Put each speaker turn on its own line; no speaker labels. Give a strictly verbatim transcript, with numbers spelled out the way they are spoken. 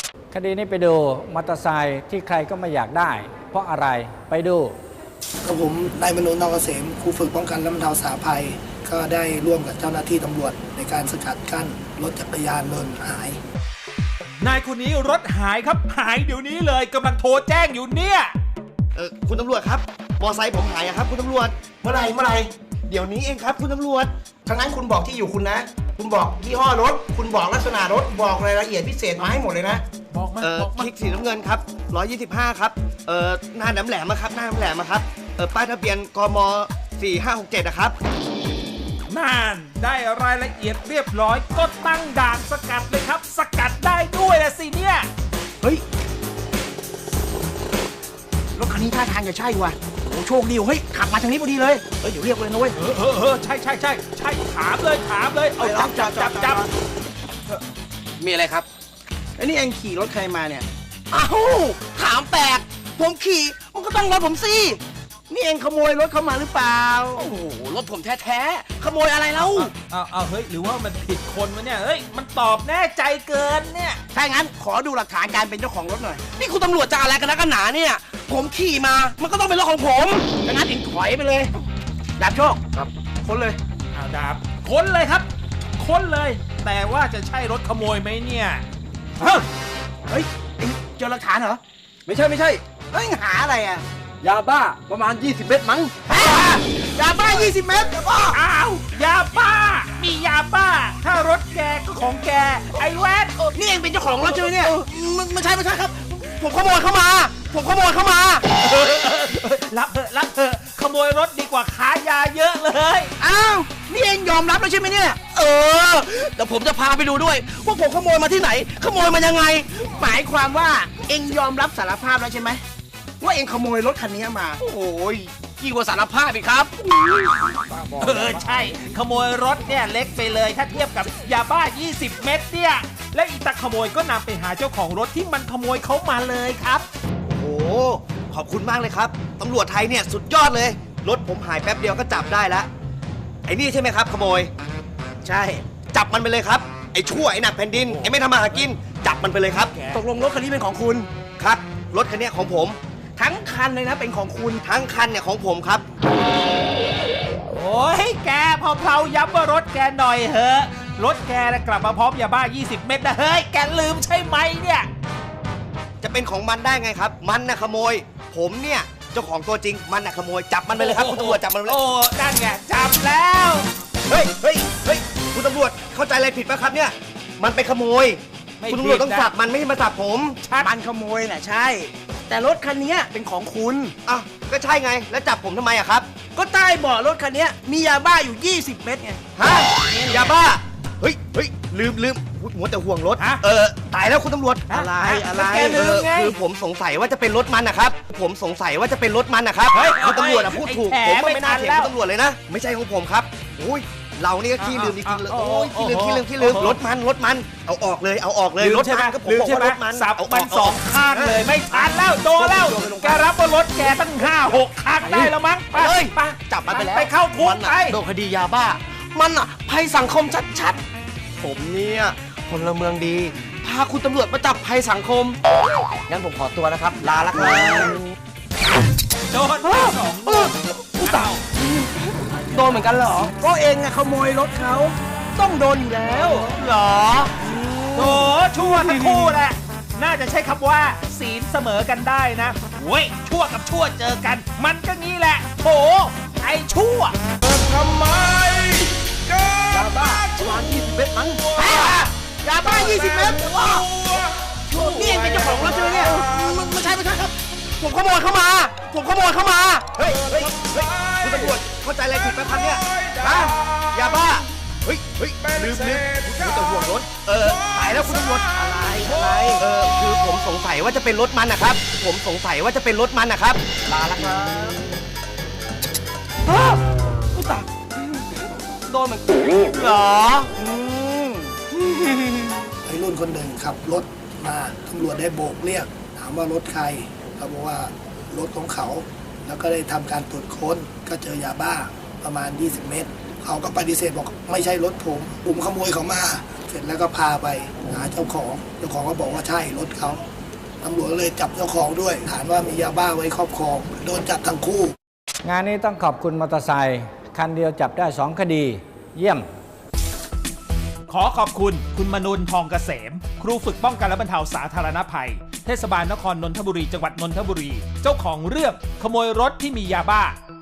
คดีนี้ไปดูมอเตอร์ไซค์ที่ใครก็ไม่อยากได้ เพราะอะไรไปดู
กับผมนายมนูนอกเกษมครูฝึกป้องกันและบรรเทาสาธารณภัยก็ได้ร่วมกับเจ้าหน้าที่ตำรวจในการสกัดกั้นรถจักรยานยนต์หาย
นายคนนี้รถหายครับหายเดี๋ยวนี้เลยกำลังโทรแจ้งอยู่เนี่ย
เออคุณตำรวจครับมอไซค์ผมหายอะครับคุณตำรวจ
เมื่อไรเมื่อไร
เดี๋ยวนี้เองครับคุณตำรวจ
ทั้งนั้นคุณบอกที่อยู่คุณนะคุณบอกยี่ห้อรถคุณบอกลักษณะรถบอกรายละเอียดพิเศษมาให้หมดเลยนะ
บอกมา
เออ
บอกมา
คลิกสีน้ำเงินครับหนึ่งร้อยยี่สิบห้าครับเออหน้าแหลมแหลมๆครับหน้าแหลมแหลมๆครับเออป้ายทะเบียนกมสี่ห้าหกเจ็ดนะครับ
นั่นได้รายละเอียดเรียบร้อยก็ตั้งด่านสกัดเลยครับสกัดได้ด้วยนะสิเนี่ย
เฮ้ยรถคันนี้ท่าทางจะใช่ว่ะโอ้โชคดีเฮ้ยขับมาทางนี้พอดีเลยเฮ้ยเดี๋ยวเรียกเลยนะเว้ย
เออเออเออใช่ใช่ใช่ใช่ถามเลยถามเลยเอาจับจับจับจับ
มีอะไรครับไอ้นี่เองขี่รถใครมาเนี่ยอ้าวถามแปลกผมขี่มันก็ต้องรถผมสินี่เองขโมยรถเข้ามาหรือเปล่าโอ้โหรถผมแท้ๆขโมยอะไรเล่า
เอาเอาเฮ้ยหรือว่ามันผิดคนวะเนี่ยเฮ้ยมันตอบแน่ใจเกินเนี่ย
ถ้างั้นขอดูหลักฐานการเป็นเจ้าของรถหน่อยนี่คุณตำรวจจะอะไรกันนักกันหนาเนี่ยผมขี่มามันก็ต้องเป็นรถของผมถ้างั้นเองถอยไปเลยดาบโชคครับค้นเลย
เอาดาบค้นเลยครับค้นเลยแต่ว่าจะใช่รถขโมยไหมเนี่ย
เฮ้ยเฮ้ยเอ็งเจอหลักฐานเหรอไม่ใช่ไม่ใช่เฮ้ยหาอะไรอ่ะ
ยาบ้าประมาณยี่สิบเม็ดมั้ง
ยาบ้ายี่สิบเม็ด
อ้าวยาบ้ามียาบ้าถ้ารถแกก็ของแกไอ้แวด
นี่เองเป็นเจ้าของรถใช่ไหมเนี่ยไม่ใช่ไม่ใช่ครับผมขโมยเข้ามาผมขโมยเข้ามา
รับเถอะรับเถอะขโมยรถดีกว่าค้ายาเยอะเลย
อ้าวนี่เองยอมรับแล้วใช่ไหมเนี่ยเออแต่ผมจะพาไปดูด้วยว่าผมขโมยมาที่ไหนขโมยมันยังไงหมายความว่าเองยอมรับสารภาพแล้วใช่ไหมว่าเองขโมยรถคันนี้มาโอ้ยยิ่งกว่าสารภาพอีกครับ
เออใช่ขโมยรถเนี่ยเล็กไปเลยถ้าเทียบกับยาบ้ายี่สิบเม็ดเนี่ยและอีตาขโมยก็นำไปหาเจ้าของรถที่มันขโมยเขามาเลยครับ
โอ้ขอบคุณมากเลยครับตำรวจไทยเนี่ยสุดยอดเลยรถผมหายแป๊บเดียวก็จับได้แล้วไอ้นี่ใช่ไหมครับขโมย
ใช่
จับมันไปเลยครับไอ้ชั่วไอ้หนักแผ่นดินไอ้ไม่ทำมาหากินจับมันไปเลยครับ
ตกลงรถคันนี้เป็นของคุณ
ครับรถคันนี้ของผม
ทั้งคันเลยนะเป็นของคุณ
ทั้งคันเนี่ยของผมครับ
โอ้ยแกพอเพลาย้ำว่ารถแกหน่อยเหอะรถแกนะกลับมาพร้อมยาบ้ายี่สิบเม็ดนะเฮ้ยแกลืมใช่ไหมเนี่ย
จะเป็นของมันได้ไงครับมันน่ะขโมยผมเนี่ยเจ้าของตัวจริงมันน่ะขโมยจับมันไปเลยครับคุณตำรวจจับมันเลย
โอ้นั่นไงจับแล้ว
เฮ้ยเฮ้ยเฮ้ยคุณตำรวจเข้าใจอะไรผิดป่ะครับเนี่ยมันไปขโมยคุณตำรวจต้องจับมันไม่ใช่มาจับผม
มันขโมยน่ะใช่แต่รถคันนี้เป็นของคุณ
อ่ะก็ใช่ไงแล้วจับผมทำไมอะครับ
ก็ใต้เบาะรถคันนี้มียาบ้าอยู่ยี่สิบเม็ดไง
ฮะยาบ้าเฮ้ยเฮ้ยลืมลืมหัวแต่ห่วงรถเออตายแล้วคุณตำรวจ
อะไรอะไร
คือผมสงสัยว่าจะเป็นรถมันนะครับผมสงสัยว่าจะเป็นรถมันนะครับคุณตำรวจอะพูดถูกผมไม่น่าเถียงคุณตำรวจเลยนะไม่ใช่ของผมครับโอ้ยเรานี่ก็ขี้ลืมจริงๆเลยโอ้ยขี้ลืมขี้ลืมขี้ลืมรถมันรถมันเอาออกเลยเอาออกเลยรถมันก็ผมบอกว่ารถมัน
สับมันสองข้างเลยไม่ทันแล้วโดนแล้วแกรับว่ารถแกตั้งห้าหกครั้งได้แล้วมั้ง
ไปไปจับมันไปแล้ว
ไปเข้าคุกไป
โดนคดียาบ้ามันอ่ะภัยสังคมชัดๆผมเนี่ยพลเมืองดีพาคุณตำรวจมาจับภัยสังคมงั้นผมขอตัวนะครับลาละครับ
โดนสองผู้เต่า
โดนเหมือนกันเหรอก็เองอะขโมยรถเขาต้องโดนอยู่แล้ว
เหรอโถชั่วทั้งคู่แหละน่าจะใช้คำว่าศีลเสมอกันได้นะเว้ยชั่วกับชั่วเจอกันมันก็งี้แหละโถไอ้ชั่ว
ทำไมยาบ้าประมาณยี่สิบเม็ดมั้งยาบ้ายี่สิบเม็ดนี่เองเป็นเจ้าของรถใช่ไหมเนี่ยไม่ใช่ไม่ใช่ครับผมขโมยเข้ามาผมขโมยเข้ามา
เฮ้ยเฮ้ยเฮ้ยคุณตำรวจเข้าใจอะไรผิดไหมครับเนี่ยฮะยาบ้าเฮ้ยเฮ้ยลืมลืมคุณตำรวจรถเออตายแล้วคุณตำรวจ
อะไรอะไร
เออคือผมสงสัยว่าจะเป็นรถมันนะครับผมสงสัยว่าจะเป็นรถมันนะครับ
ลาละครับผู้ตายโดนเหมือนเหรอ
ไอ้รุ่นคนหนึ่งขับรถมาตำรวจได้โบกเรียกถามว่ารถใครเขาบอกว่ารถของเขาแล้วก็ได้ทำการตรวจค้นก็เจอยาบ้าประมาณยี่สิบเม็ดเขาก็ปฏิเสธบอกไม่ใช่รถผมผมขโมยเขามาเสร็จแล้วก็พาไปหาเจ้าของเจ้าของก็บอกว่าใช่รถเขาตำรวจเลยจับเจ้าของด้วยฐานว่ามียาบ้าไว้ครอบครองโดนจับทั้งคู่
งานนี้ต้องขอบคุณมอเตอร์ไซค์คันเดียวจับได้สองคดี เยี่ยม
ขอขอบคุณคุณมนุนทองเกษม ครูฝึกป้องกันและบรรเทาสาธารณภัย เทศบาลนครนนทบุรีจังหวัดนนทบุรี เจ้าของเรื่องขโมยรถที่มียาบ้า